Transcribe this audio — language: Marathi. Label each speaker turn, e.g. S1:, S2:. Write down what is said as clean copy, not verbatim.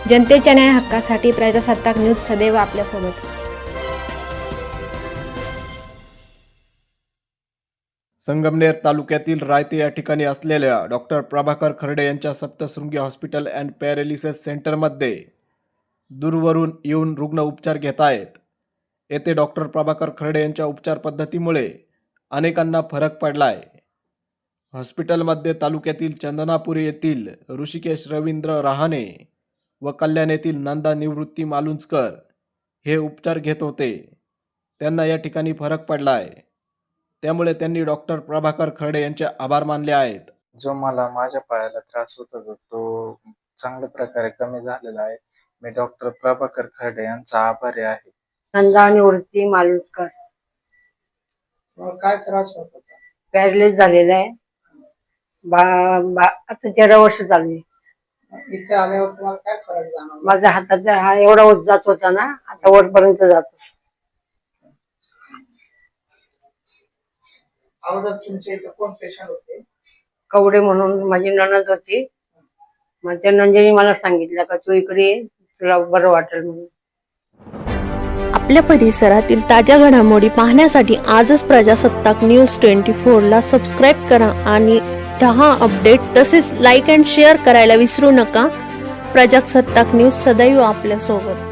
S1: जनतेच्या न्याय हक्कासाठी प्रजासत्ताक न्यूज सदैव आपल्यासोबत।
S2: संगमनेर तालुक्यातील रायते या ठिकाणी असलेल्या डॉक्टर प्रभाकर खर्डे यांच्या सप्तशृंगी हॉस्पिटल अँड पॅरालिसिस सेंटरमध्ये दूरवरून येऊन रुग्ण उपचार घेत आहेत। येथे डॉक्टर प्रभाकर खर्डे यांच्या उपचार पद्धतीमुळे अनेकांना फरक पडलाय। हॉस्पिटलमध्ये तालुक्यातील चंदनापुरी येथील ऋषिकेश रवींद्र रहाणे व कल्याण येथील नंदा निवृत्ती मालुंजकर हे उपचार घेत होते। त्यांना या ठिकाणी फरक पडलाय, त्यामुळे त्यांनी डॉक्टर प्रभाकर खर्डे यांचे आभार मानले आहेत।
S3: जो मला माझ्या पायाला त्रास होत होता तो चांगल्या प्रकारे कमी झालेला आहे। मी डॉक्टर प्रभाकर खर्डे यांचा आभारी आहे।
S4: नंदा निवृत्ती मालुंजकर।
S5: काय त्रास होत होता?
S4: पॅरालिस झालेला आहे। आता 13 वर्ष झाली।
S5: इथे आल्यावर तुम्हाला काय फरक जाणवला?
S4: माझ्या हाताचा हा एवढा वर जात होता ना, आता वरपर्यंत जातो।
S5: अगोदर तुमच्या इथे कोण पेशंट होते?
S4: कवडे म्हणून माझी नणंद होती। माझ्या नंदेने मला सांगितलं का तू इकडे ये, तुला बरं वाटेल म्हणून।
S1: आपल्या परिसरातील ताज्या घडामोडी पाहण्यासाठी आजच प्रजासत्ताक न्यूज 24 ला सबस्क्राइब करा आणि 10 अपडेट तसेच लाईक अँड शेअर करायला विसरू नका। प्रजासत्ताक न्यूज सदैव आपल्यासोबत।